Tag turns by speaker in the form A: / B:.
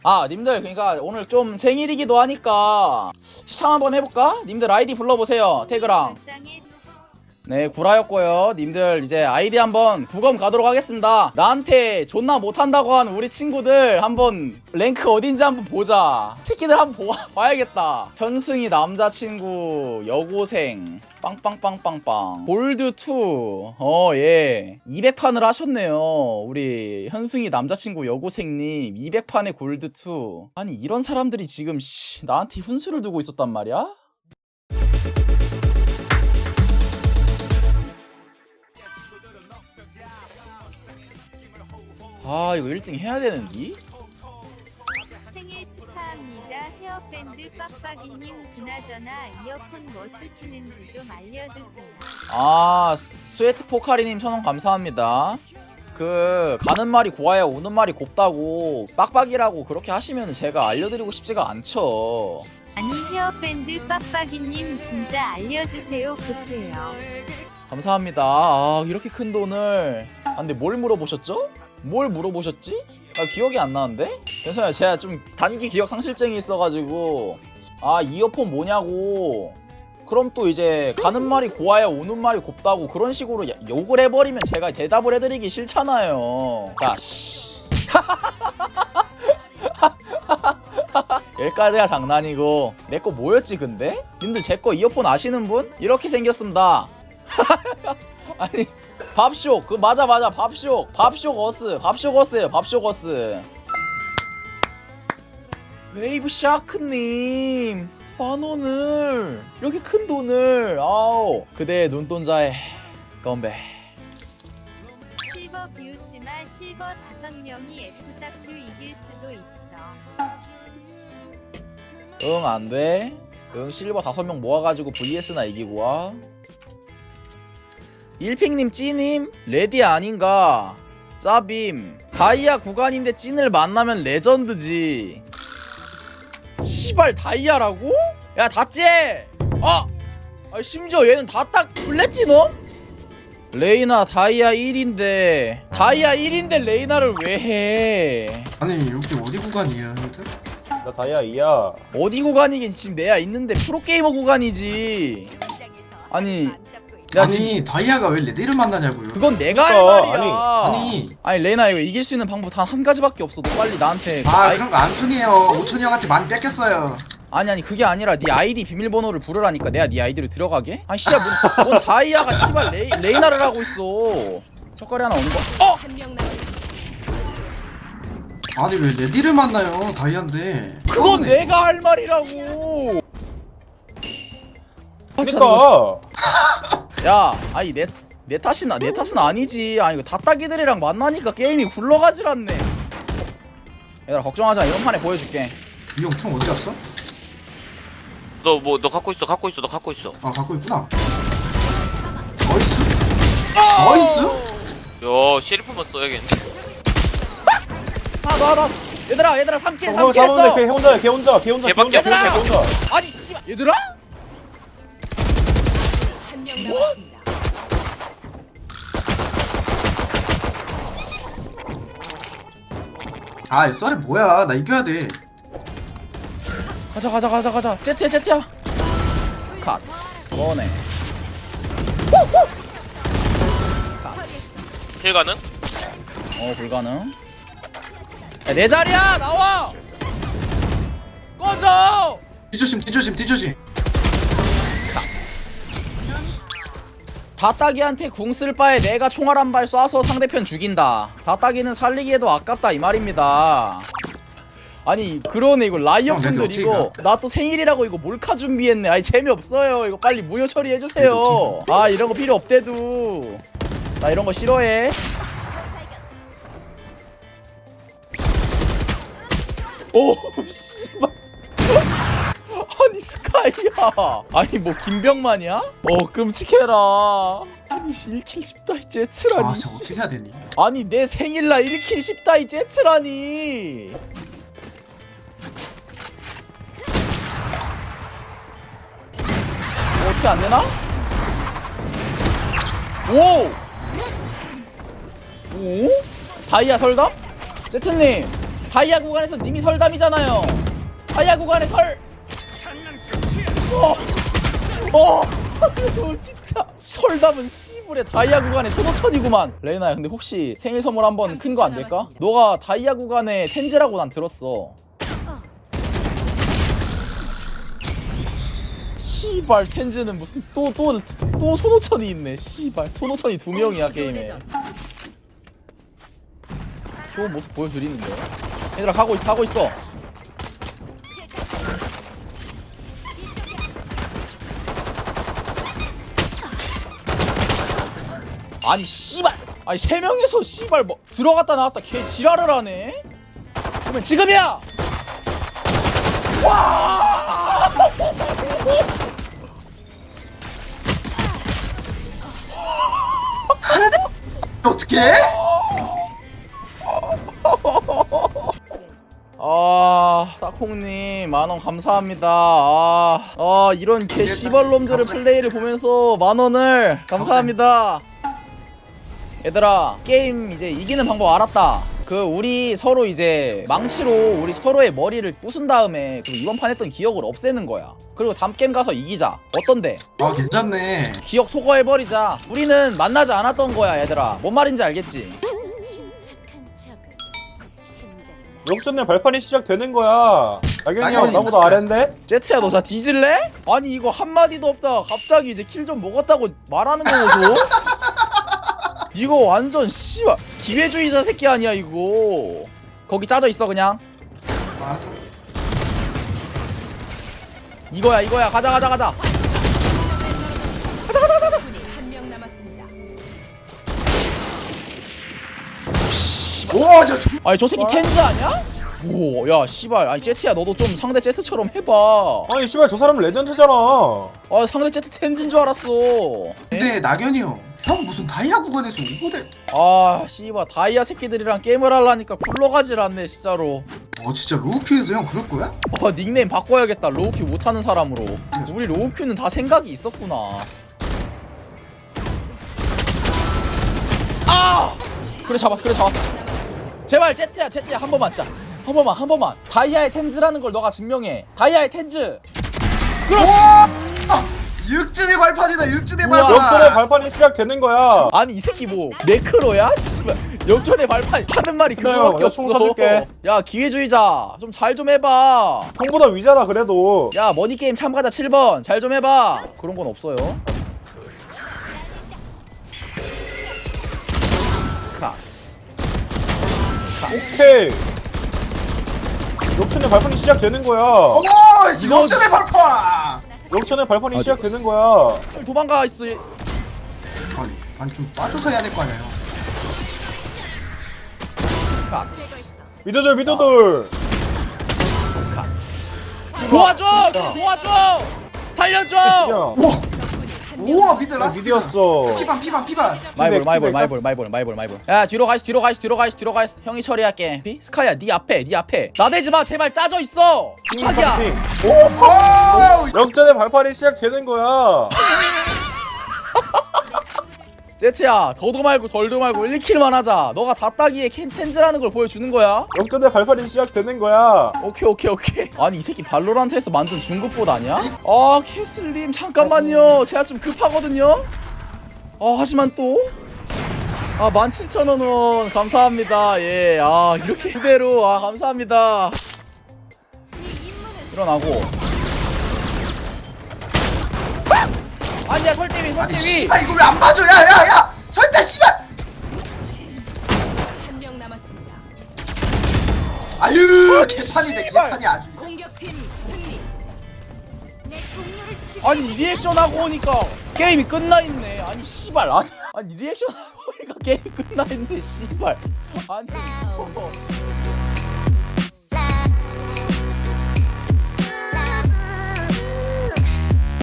A: 아 님들 그러니까 오늘 좀 생일이기도 하니까 시청 한번 해볼까? 님들 아이디 불러보세요. 태그랑. 네 구라였고요. 님들 이제 아이디 한번 부검 가도록 하겠습니다. 나한테 존나 못한다고 한 우리 친구들 한번 랭크 어딘지 한번 보자. 새끼들 한번 봐야겠다. 현승이 남자친구 여고생 빵빵빵빵빵 골드2 예 200판을 하셨네요. 우리 현승이 남자친구 여고생님 200판에 골드2. 아니 이런 사람들이 지금 나한테 훈수를 두고 있었단 말이야? 아 이거 1등 해야 되는디?
B: 생일 축하합니다. 헤어밴드 빡빡이님. 그나저나 이어폰 뭐 쓰시는지 좀 알려주세요.
A: 아 스웨트 포카리님 1000원 감사합니다. 그 가는 말이 고와야 오는 말이 곱다고 빡빡이라고 그렇게 하시면 제가 알려드리고 싶지가 않죠.
B: 아니 헤어밴드 빡빡이님 진짜 알려주세요. 급해요.
A: 감사합니다. 아 이렇게 큰 돈을. 아 근데 뭘 물어보셨죠? 뭘 물어보셨지? 아 기억이 안 나는데? 괜찮아요. 제가 좀 단기 기억 상실증이 있어가지고 아 이어폰 뭐냐고. 그럼 또 이제 가는 말이 고와야 오는 말이 곱다고 그런 식으로 욕을 해버리면 제가 대답을 해드리기 싫잖아요. 야 씨. 여기까지가 장난이고 내 거 뭐였지 근데? 님들 제 거 이어폰 아시는 분? 이렇게 생겼습니다. 아니 밥쇼 그 맞아 밥쇼거스예요. 밥쇼거스. 웨이브 샤크님 10,000원을 이렇게 큰 돈을 아우 그대의 눈동자에 건배.
B: 실버 비웃지마. 실버 5명이 F4Q 이길 수도 있어.
A: 응 안돼. 응 실버 5명 모아가지고 VS나 이기고 와. 일핑님 찌님 레디 아닌가. 짜빔 다이아 구간인데 찐을 만나면 레전드지. 시발 다이아라고? 야 다찌! 아! 심지어 얘는 다 딱 플래티넘? 레이나 다이아 1인데 레이나를 왜 해?
C: 아니 여기 어디 구간이야 형들?
D: 나 다이아 2야.
A: 어디 구간이긴 지금 내야 있는데 프로게이머 구간이지. 아니 야 지금
C: 아니 다이아가 왜 레디를 만나냐고요?
A: 그건 내가 할
D: 그러니까,
A: 말이야. 아니 레이나 이거 이길 수 있는 방법 단 한 가지밖에 없어. 너 빨리 나한테
C: 그런 거 안 통해요. 오천이 형한테 많이 뺏겼어요.
A: 아니 그게 아니라 네 아이디 비밀번호를 부르라니까. 내가 네 아이디로 들어가게? 아니 씨발 뭔 다이아가 씨발 레이나를 하고 있어. 첫거리 하나 오는 거?
C: 아니 왜 레디를 만나요 다이아인데?
A: 그건 내가 할 말이라고.
D: 그니까.
A: 야 아니 내 탓은 아니지. 아니 이거 다따기들이랑 만나니까 게임이 굴러가질 않네. 얘들아 걱정하지 마. 이번 판에 보여줄게.
C: 이 형 총 어디 갔어?
E: 너 갖고 있어.
C: 아 갖고 있구나. 나이스?
E: 야, 셰리프만 써야겠는데.
A: 하나 얘들아 3킬
D: 잡았는데
A: 했어.
D: 걔 혼자.
E: 걔밖에
A: 얘들아!
D: 걔 혼자.
A: 아니 씨발 얘들아?
C: 아 이 썰이 뭐야? 나 이겨야 돼.
A: 가자. 제트야. 카츠. 뭐네. 카츠.
E: 힐 가능?
A: 불가능. 야, 내 자리야 나와. 꺼져.
C: 뒤조심.
A: 카츠. 다따기한테 궁 쓸 바에 내가 총알 한 발 쏴서 상대편 죽인다. 다따기는 살리기에도 아깝다 이 말입니다. 아니 그러네. 이거 라이엇 분들 이거 나 또 생일이라고 이거 몰카 준비했네. 아니 재미없어요. 이거 빨리 무효 처리해주세요. 아 이런 거 필요 없대도. 나 이런 거 싫어해. 오 씨발. 아니 스카이야. 아니 뭐 김병만이야? 끔찍해라. 아니 1킬 10다이 제트라니.
C: 아 진짜 어떻게 해야 되니?
A: 아니 내 생일날 1킬 10다이 제트라니. 어떻게 안되나? 오! 다이아 설담? 제트님 다이아 구간에서 님이 설담이잖아요. 다이아 구간에 설. 진짜 설담은 씨불에 다이아 구간에 15,000이구만. 레이나야 근데 혹시 생일 선물 한번 큰 거 안 될까? 너가 다이아 구간에 텐즈라고 난 들었어. 씨발 텐즈는 무슨 또 손오천이 있네. 씨발 손오천이 2명이야 게임에. 좋은 모습 보여드리는데. 얘들아 가고 있어. 아니 씨발. 아니 3명이서 씨발 뭐 들어갔다 나왔다 개 지랄을 하네. 그러면 지금이야. 와.
C: 어떡해?
A: 따콩님 만원 감사합니다. 이런 개 씨발놈들의 플레이를 보면서 만원을 감사합니다. 얘들아 게임 이제 이기는 방법 알았다. 우리 서로 이제 망치로 우리 서로의 머리를 부순 다음에 이번 판 했던 기억을 없애는 거야. 그리고 다음 게임 가서 이기자. 어떤데?
C: 아 괜찮네.
A: 기억 소거해버리자. 우리는 만나지 않았던 거야 얘들아. 뭔 말인지 알겠지?
D: 역전의 발판이 시작되는 거야. 나경이 형
C: 나경이
D: 나보다
C: 맞다.
D: 아랜데?
A: 제트야 너 자 뒤질래? 아니 이거 한마디도 없다 갑자기 이제 킬 좀 먹었다고 말하는 거고. 이거 완전 씨발 기회주의자 새끼 아니야 이거. 거기 짜져 있어 그냥.
C: 알았어.
A: 이거야 가자.
C: 오, 저
A: 아니 저 새끼 텐즈 아니야? 오 야 씨발. 아니 제트야 너도 좀 상대 제트처럼 해봐.
D: 아니 씨발 저 사람은 레전드잖아.
A: 상대 제트 텐즈인 줄 알았어.
C: 근데 낙연이 형 무슨 다이아 구간에서 오버대?
A: 씨발 다이아 새끼들이랑 게임을 하려니까 굴러가질 않네 진짜로.
C: 진짜 로우큐에서 형 그럴 거야?
A: 닉네임 바꿔야겠다. 로우큐 못하는 사람으로. 우리 로우큐는 다 생각이 있었구나. 그래 잡았어. 제발 제트야 한 번만 진짜 한 번만 다이아의 텐즈라는 걸 너가 증명해. 다이아의 텐즈.
C: 육준의 발판이다. 육준의
A: 우와.
C: 발판.
D: 역전의 발판이 시작되는 거야.
A: 아니 이 새끼 뭐 네크로야? 씨발 역전의 발판 하는 말이 그거밖에
D: 내가 총
A: 없어.
D: 사줄게.
A: 야 기회주의자 좀 잘 좀 해봐.
D: 형보다 위잖아 그래도.
A: 야 머니게임 참가자 7번 잘 좀 해봐. 그런 건 없어요. 카츠.
D: 오케이. 역전의 발판이 시작되는 거야.
A: 이거-
C: 육준의 발판.
D: 역전의 발판이 시작되는 거야.
A: 도망가 있어.
C: 아니 좀 빠져서 해야 될 거 아니야.
A: 카츠.
D: 미드들.
A: 카츠. 도와줘. 살려줘.
D: 야,
C: 우와 미드 라스트.
D: 미드였어.
C: 피반.
A: 마이볼. 야 뒤로 가 있어. 형이 처리할게. 스카이야 네 앞에. 나대지마 제발 짜져 있어. 부탁이야.
D: 역전의 발판이 시작되는 거야.
A: 제트야 더도 말고 덜도 말고 1킬만 하자. 너가 다 따기에 텐즈라는 걸 보여주는 거야.
D: 역전의 발판이 시작되는 거야.
A: 오케이. 아니 이 새끼 발로란트에서 만든 중급봇 아니야? 캐슬님 잠깐만요. 제가 좀 급하거든요. 하지만 또 17,000원 감사합니다. 예. 이렇게 그대로 감사합니다. 일어나고. 아니야 설대위.
C: 아니 씨발 이거 왜 안 봐줘? 야 설대 씨발.
F: 한명 남았습니다.
C: 아유 개판이네. 개판이 아주.
F: 공격팀 승리.
A: 아니 리액션 하고 오니까 게임이 끝나 있네. 아니 씨발. 아니 리액션 하고 오니까 게임이 끝나 있네. 씨발. 아니